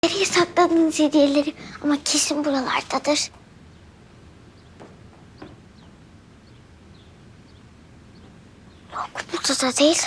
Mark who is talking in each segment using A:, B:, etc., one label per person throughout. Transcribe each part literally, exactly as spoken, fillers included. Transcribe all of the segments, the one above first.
A: Nereye sakladınız hediyeleri? Ama kesin buralardadır. Yok, burada da değil.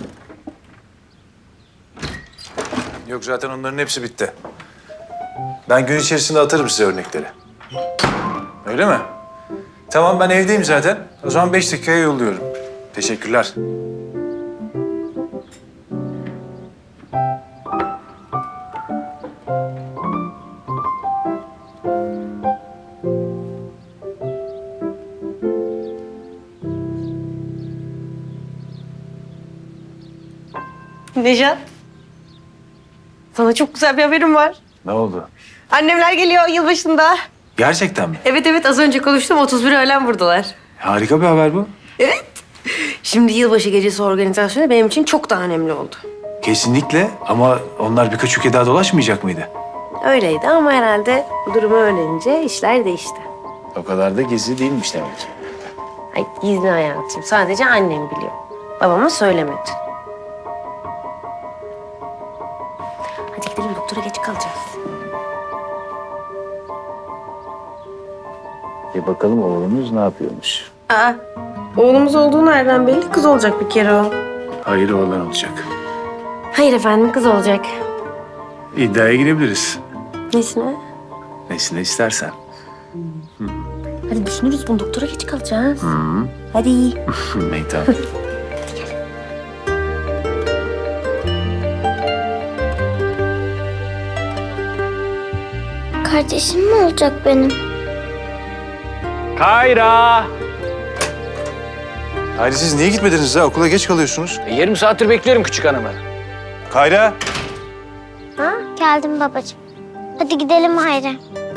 B: Yok, zaten onların hepsi bitti. Ben gün içerisinde atarım size örnekleri. Öyle mi? Tamam, ben evdeyim zaten. O zaman beş dakikaya yolluyorum. Teşekkürler.
C: Nejat, sana çok güzel bir haberim var.
B: Ne oldu?
C: Annemler geliyor yılbaşında.
B: Gerçekten mi?
C: Evet evet, az önce konuştum, otuz bir öğlen buradalar.
B: Harika bir haber bu.
C: Evet. Şimdi yılbaşı gecesi organizasyonu benim için çok daha önemli oldu.
B: Kesinlikle, ama onlar birkaç ülke daha dolaşmayacak mıydı?
C: Öyleydi ama herhalde bu durumu öğrenince işler değişti.
B: O kadar da gizli değilmiş demek ki.
C: Ay gizli hayatım, sadece annem biliyor. Babama söylemedi. Hadi gidelim, doktora geç kalacağız.
B: Bir bakalım oğlunuz ne yapıyormuş.
C: Aa, oğlumuz olduğu nereden belli? Kız olacak bir kere o.
B: Hayır, oğlan olacak.
C: Hayır efendim, kız olacak.
B: İddiaya girebiliriz.
C: Nesine?
B: Nesine istersen.
C: Hadi düşünürüz bunu, doktora geç kalacağız.
B: Hı.
C: Hadi.
B: Meytan.
A: Kardeşim mi olacak benim?
D: Kayra!
B: Hayır, siz niye gitmediniz ha? Okula geç kalıyorsunuz.
D: E, yarım saattir bekliyorum küçük hanımı.
B: Kayra.
A: Ha? Geldim babacığım. Hadi gidelim Hayri.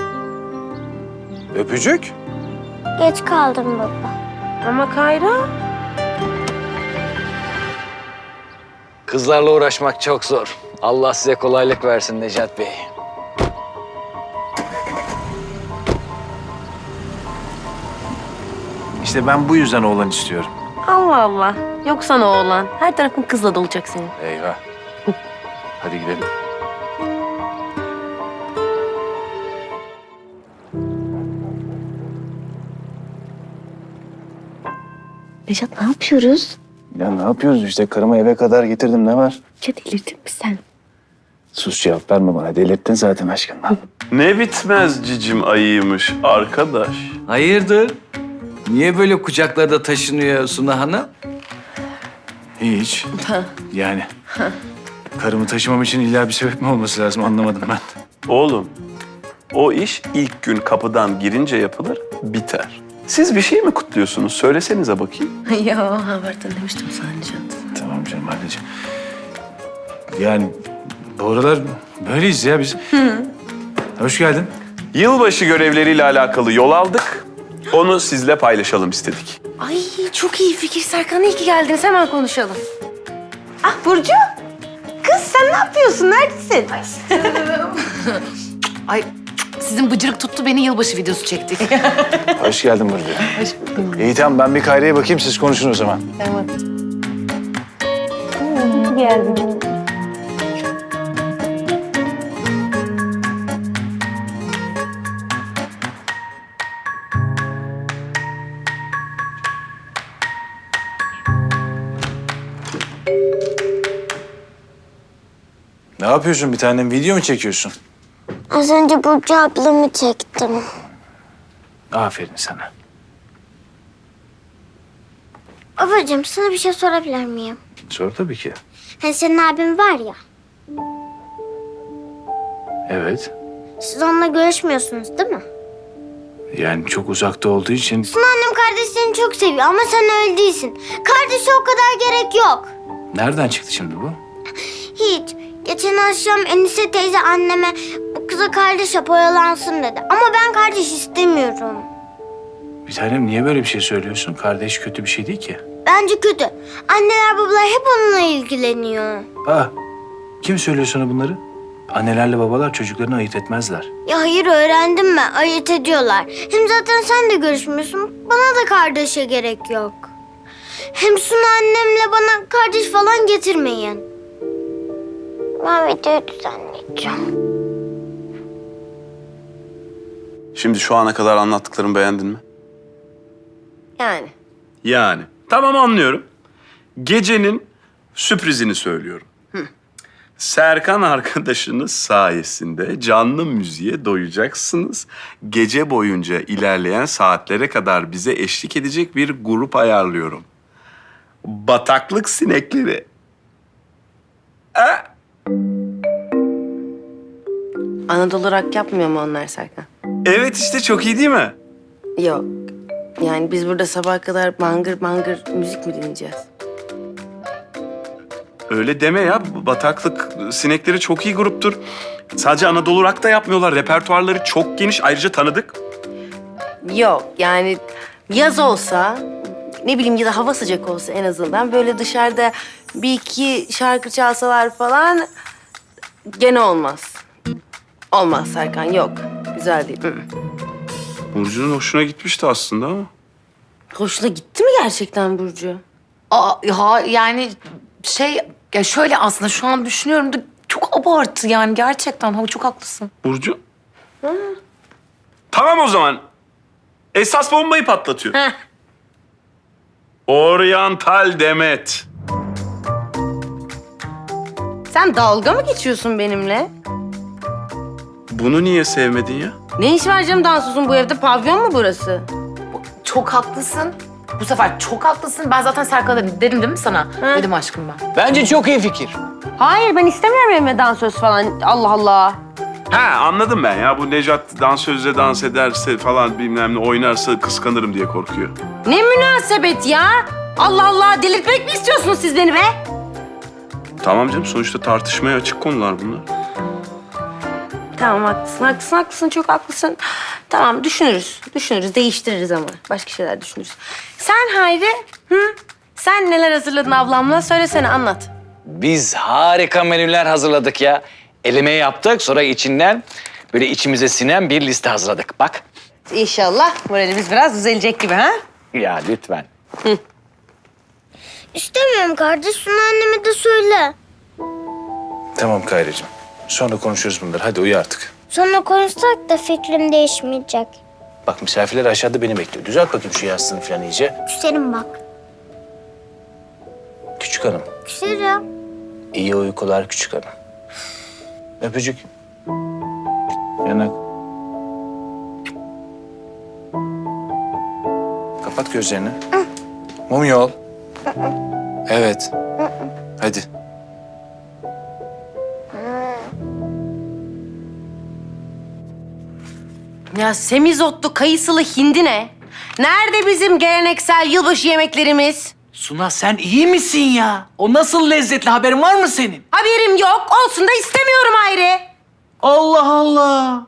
B: Öpücük.
A: Geç kaldım baba.
C: Ama Kayra...
D: Kızlarla uğraşmak çok zor. Allah size kolaylık versin Necat Bey.
B: İşte ben bu yüzden oğlan istiyorum.
C: Allah Allah. Yok sana oğlan. Her tarafın kızla dolacak senin.
B: Eyvah. Hadi gidelim.
C: Nejat, ne yapıyoruz?
B: Ya ne yapıyoruz işte? Karımı eve kadar getirdim. Ne var?
C: Ya delirdin mi sen?
B: Sus, cevap verme bana. Delirttin zaten aşkından.
E: Ne bitmez cicim ayıymış arkadaş.
F: Hayırdır? Niye böyle kucaklarda taşınıyor Suna Hanım?
B: Hiç. Yani karımı taşımam için illa bir sebep mi olması lazım, anlamadım ben.
E: Oğlum, o iş ilk gün kapıdan girince yapılır, biter. Siz bir şey mi kutluyorsunuz? Söylesenize bakayım.
C: ya haberden demiştim sana Nejat.
B: Tamam canım, anneciğim. Yani bu aralar böyleyiz ya biz. Hoş geldin.
E: Yılbaşı görevleriyle alakalı yol aldık. Onu sizle paylaşalım istedik.
C: Ay çok iyi fikir Serkan. İyi ki geldiniz. Hemen konuşalım. Ah Burcu. Kız sen ne yapıyorsun? Neredesin?
G: Ay sizin bıcırık tuttu, beni yılbaşı videosu çektik.
B: Hoş geldin Burcu.
C: Hoş buldum.
B: İyi tamam, ben bir Kayra'ya bakayım, siz konuşun o zaman.
C: Tamam. İyi geldin.
B: Ne yapıyorsun bir tanem? Video mu çekiyorsun?
A: Az önce Burcu ablamı çektim.
B: Aferin sana.
A: Babacığım, sana bir şey sorabilir miyim?
B: Sor tabii ki.
A: Hani senin abin var ya,
B: Evet.
A: siz onunla görüşmüyorsunuz değil mi?
B: Yani çok uzakta olduğu için...
A: Suna annem kardeşlerini çok seviyor ama sen öyle değilsin. Kardeşe o kadar gerek yok.
B: Nereden çıktı şimdi bu?
A: Hiç. Geçen akşam Enise teyze anneme bu kıza kardeş yap, oyalansın dedi. Ama ben kardeş istemiyorum.
B: Bir tanem, niye böyle bir şey söylüyorsun? Kardeş kötü bir şey değil ki.
A: Bence kötü. Anneler babalar hep onunla ilgileniyor.
B: Aa, kim söylüyor sana bunları? Annelerle babalar çocuklarını ayırt etmezler.
A: Ya hayır, öğrendim ben. Ayırt ediyorlar. Hem zaten sen de görüşmüyorsun. Bana da kardeşe gerek yok. Hem Suna annemle bana kardeş falan getirmeyin. Ben videoyu düzenleyeceğim.
E: Şimdi şu ana kadar anlattıklarımı beğendin mi?
C: Yani.
E: Yani. Tamam, anlıyorum. Gecenin sürprizini söylüyorum. Serkan arkadaşınız sayesinde canlı müziğe doyacaksınız. Gece boyunca ilerleyen saatlere kadar bize eşlik edecek bir grup ayarlıyorum. Bataklık sinekleri. Ha?
C: Anadolu rock yapmıyor mu onlar Serkan?
E: Evet, işte çok iyi değil mi?
C: Yok. Yani biz burada sabaha kadar bangır bangır müzik mi dinleyeceğiz?
E: Öyle deme ya. Bataklık sinekleri çok iyi gruptur. Sadece Anadolu rock da yapmıyorlar. Repertuarları çok geniş. Ayrıca tanıdık.
C: Yok yani yaz olsa ne bileyim ya da hava sıcak olsa en azından böyle dışarıda bir iki şarkı çalsalar falan gene olmaz. Olmaz Serkan, yok. Güzel değil. Hı.
E: Burcu'nun hoşuna gitmişti aslında ama.
C: Hoşuna gitti mi gerçekten Burcu?
G: Aa, ya yani şey ya şöyle aslında şu an düşünüyorum da çok abartı yani gerçekten. Ha, çok haklısın.
E: Burcu? Tamam o zaman. Esas bombayı patlatıyor.
C: Heh.
E: Oriental Demet.
C: Sen dalga mı geçiyorsun benimle?
E: Bunu niye sevmedin ya?
C: Ne iş var canım dansözün bu evde? Pavyon mu burası?
G: Çok haklısın. Bu sefer çok haklısın. Ben zaten Serkan'a dedim, dedim değil mi sana?
C: Hı.
G: Dedim aşkım ben.
D: Bence çok iyi fikir.
C: Hayır, ben istemiyorum evime dansöz falan. Allah Allah.
E: Ha, anladım ben ya. Bu Nejat dansözle dans ederse falan bilmem ne oynarsa kıskanırım diye korkuyor.
C: Ne münasebet ya? Allah Allah, delirtmek mi istiyorsunuz siz beni be?
E: Tamam canım, sonuçta tartışmaya açık konular bunlar.
C: Tamam, haklısın, haklısın, haklısın. Çok haklısın. Tamam, düşünürüz. Düşünürüz, değiştiririz ama. Başka şeyler düşünürüz. Sen Hayri, hı? Sen neler hazırladın ablamla? Söylesene, anlat.
D: Biz harika menüler hazırladık ya. Eleme yaptık, sonra içinden böyle içimize sinen bir liste hazırladık. Bak.
C: İnşallah moralimiz biraz düzelecek gibi ha?
D: Ya lütfen.
A: İstemiyorum kardeş. Sunu anneme de söyle.
B: Tamam Kayracığım. Sonra konuşuruz bunları. Hadi uyu artık.
A: Sonra konuşsak da fikrim değişmeyecek.
B: Bak misafirler aşağıda beni bekliyor. Düzelt bakayım şu yastığını falan iyice.
A: Küserim bak.
B: Küçük hanım.
A: Küserim.
B: İyi uykular küçük hanım. Öpücük. Yanak. Kapat gözlerini. Mum yol. Evet. Hadi.
C: Ya semizotlu, kayısılı hindi ne? Nerede bizim geleneksel yılbaşı yemeklerimiz?
F: Suna sen iyi misin ya? O nasıl lezzetli, haberin var mı senin?
C: Haberim yok, olsun da istemiyorum Hayri.
F: Allah Allah.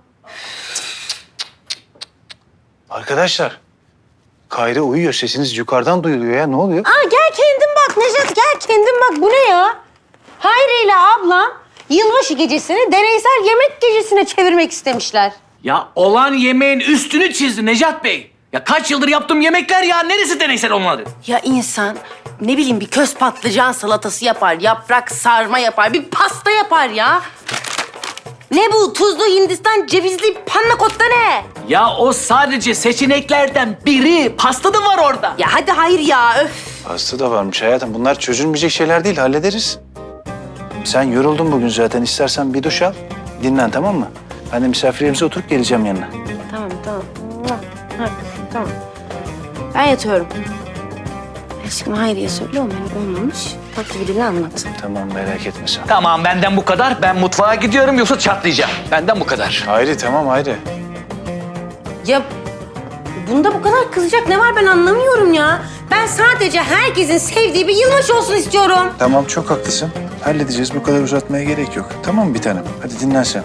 B: Arkadaşlar. Kayra uyuyor. Sesiniz yukarıdan duyuluyor ya. Ne oluyor?
C: Aa, gel kendin bak Nejat, gel kendin bak. Bu ne ya? Hayri ile ablam yılbaşı gecesini deneysel yemek gecesine çevirmek istemişler.
F: Ya olan yemeğin üstünü çizdi Necat Bey. Ya kaç yıldır yaptığım yemekler ya. Neresi deneysel olmadı?
C: Ya insan ne bileyim bir köz patlıcan salatası yapar, yaprak sarma yapar, bir pasta yapar ya. Ne bu? Tuzlu Hindistan cevizli panna cotta ne?
F: Ya o sadece seçeneklerden biri. Pasta da var orada.
C: Ya hadi hayır ya, öf.
B: Hasta da varmış hayatım. Bunlar çözülmeyecek şeyler değil. Hallederiz. Sen yoruldun bugün zaten. İstersen bir duş al. Dinlen, tamam mı? Ben de misafirlerimize oturup geleceğim yanına.
C: Tamam, tamam. Ha, tamam. Ben yatıyorum. Aşkım Hayri'ye söyle, o menü olmamış. Bak gibi dili anlat.
B: Tamam, merak etme sen.
D: Tamam, benden bu kadar. Ben mutfağa gidiyorum yoksa çatlayacağım. Benden bu kadar.
B: Hayri, tamam Hayri.
C: Ya bunda bu kadar kızacak ne var ben anlamıyorum ya. Ben sadece herkesin sevdiği bir yılbaşı olsun istiyorum.
B: Tamam, çok haklısın. Halledeceğiz. Bu kadar uzatmaya gerek yok. Tamam mı bir tanem? Hadi dinlen sen.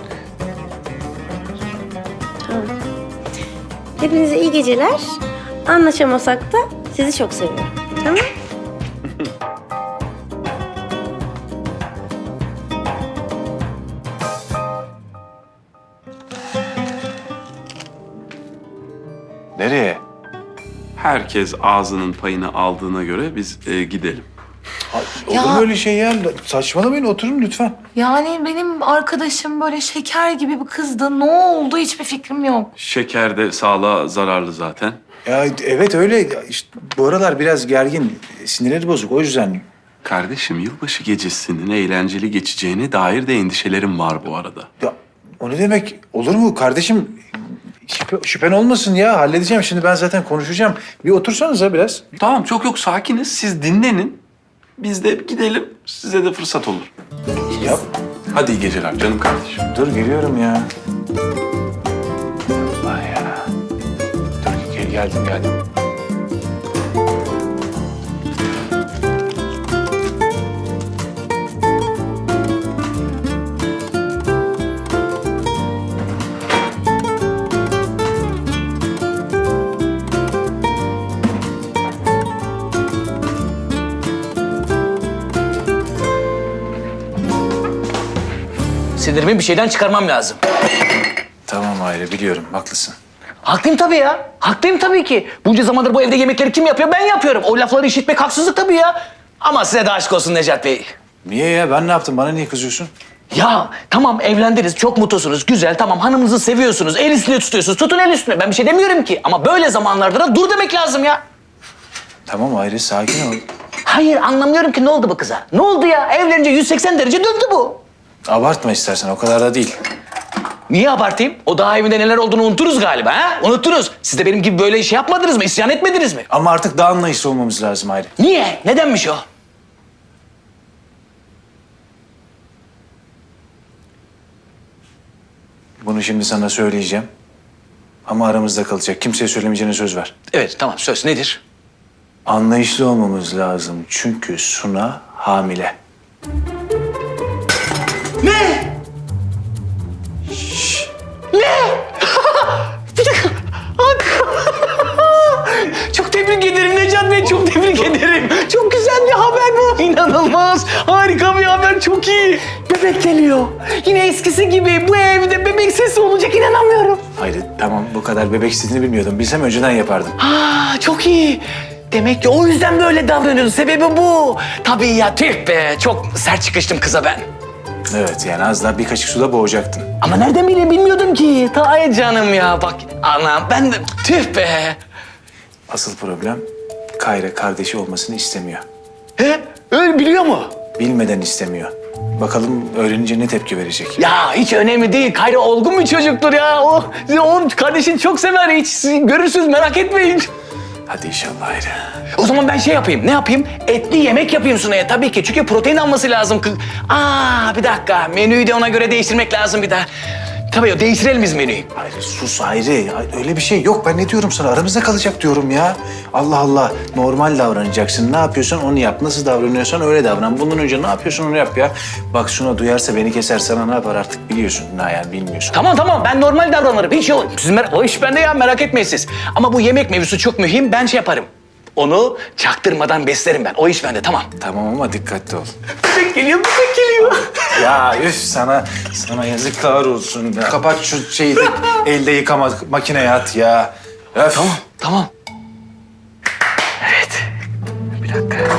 C: Hepinize iyi geceler. Anlaşamasak da sizi çok seviyorum. Tamam?
B: Nereye?
E: Herkes ağzının payını aldığına göre biz e, gidelim.
B: Olur
G: Ya-
B: mu öyle şey ya? Saçmalamayın, oturun lütfen.
G: Yani benim arkadaşım böyle şeker gibi bir kızdı. Ne oldu hiçbir fikrim yok.
E: Şeker de sağlığa zararlı zaten.
B: Ya evet öyle. İşte bu aralar biraz gergin. Sinirleri bozuk. O yüzden.
E: Kardeşim, yılbaşı gecesinin eğlenceli geçeceğine dair de endişelerim var bu arada.
B: Ya o ne demek? Olur mu kardeşim? Şüphe, şüphen olmasın ya. Halledeceğim. Şimdi ben zaten konuşacağım. Bir otursanıza biraz.
E: Tamam, çok yok, sakiniz. Siz dinlenin. Biz de gidelim. Size de fırsat olur.
B: Yap.
E: Hadi iyi geceler canım kardeşim.
B: Dur geliyorum ya. Allah ya. Dur gel, geldim geldim.
F: Sinirimi bir şeyden çıkarmam lazım.
B: Tamam Ayrı, biliyorum. Haklısın.
F: Haklıyım tabii ya. Haklıyım tabii ki. Bunca zamandır bu evde yemekleri kim yapıyor? Ben yapıyorum. O lafları işitmek haksızlık tabii ya. Ama size de aşk olsun Necat Bey.
B: Niye ya? Ben ne yaptım? Bana niye kızıyorsun?
F: Ya tamam evlendiniz, çok mutlusunuz, güzel, tamam hanımınızı seviyorsunuz, el üstüne tutuyorsunuz, tutun el üstüne. Ben bir şey demiyorum ki ama böyle zamanlarda da dur demek lazım ya.
B: Tamam Ayrı, sakin ol.
F: Hayır anlamıyorum ki ne oldu bu kıza? Ne oldu ya? Evlenince yüz seksen derece döndü bu.
B: Abartma istersen, o kadar da değil.
F: Niye abartayım? O daha evinde neler olduğunu unuturuz galiba ha? Unuttunuz. Siz de benim gibi böyle şey yapmadınız mı? İsyan etmediniz mi?
B: Ama artık daha anlayışlı olmamız lazım Ayrı.
F: Niye? Nedenmiş o?
B: Bunu şimdi sana söyleyeceğim. Ama aramızda kalacak. Kimseye söylemeyeceğine söz ver.
F: Evet tamam söz nedir?
B: Anlayışlı olmamız lazım. Çünkü Suna hamile.
F: Ne? Bir dakika. Çok tebrik ederim Necat Bey, çok tebrik ederim. Çok güzel bir haber bu. İnanılmaz. Harika bir haber, çok iyi. Bebek geliyor. Yine eskisi gibi bu evde bebek sesi olacak, inanamıyorum.
B: Hayır tamam, bu kadar bebek istediğini bilmiyordum. Bilsem önceden yapardım.
F: Aa, çok iyi. Demek ki o yüzden böyle davranıyorsun. Sebebi bu. Tabii ya, tüh be. Çok sert çıkıştım kıza ben.
B: Evet, yani az daha bir kaşık suda boğacaktın.
F: Ama nereden bileyim, bilmiyordum ki. Ay canım ya, bak anam ben de tüh be.
B: Asıl problem Kayra kardeşi olmasını istemiyor.
F: He? Öyle biliyor mu?
B: Bilmeden istemiyor. Bakalım öğrenince ne tepki verecek.
F: Ya hiç önemli değil. Kayra olgun bir çocuktur ya. O, o kardeşini çok sever. Hiç siz görürsünüz, merak etmeyin.
B: Hadi inşallah Ayrı.
F: O zaman ben şey yapayım. Ne yapayım? Etli yemek yapayım Sunay'a tabii ki. Çünkü protein alması lazım. Kı- Aa bir dakika. Menüyü de ona göre değiştirmek lazım bir daha. Tabii değiştirelim biz menüyü.
B: Ayrı sus Ayrı. Ay, öyle bir şey yok. Ben ne diyorum sana? Aramızda kalacak diyorum ya. Allah Allah. Normal davranacaksın. Ne yapıyorsan onu yap. Nasıl davranıyorsan öyle davran. Bundan önce ne yapıyorsun onu yap ya. Bak Suna duyarsa beni keser, sana ne yapar artık biliyorsun. Ne yani bilmiyorsun.
F: Tamam tamam ben normal davranırım. Hiç yok. Siz mer- o iş bende ya, merak etmeyin siz. Ama bu yemek mevzusu çok mühim. Ben şey yaparım. Onu çaktırmadan beslerim ben. O iş bende, tamam.
B: Tamam ama dikkatli ol.
F: Bebek geliyor, bebek geliyor.
B: Ya üf sana, sana yazıklar olsun. Ya. Kapat şu şeyi de elde yıkama makineye at ya. Öf.
F: Tamam. Evet. Bir dakika.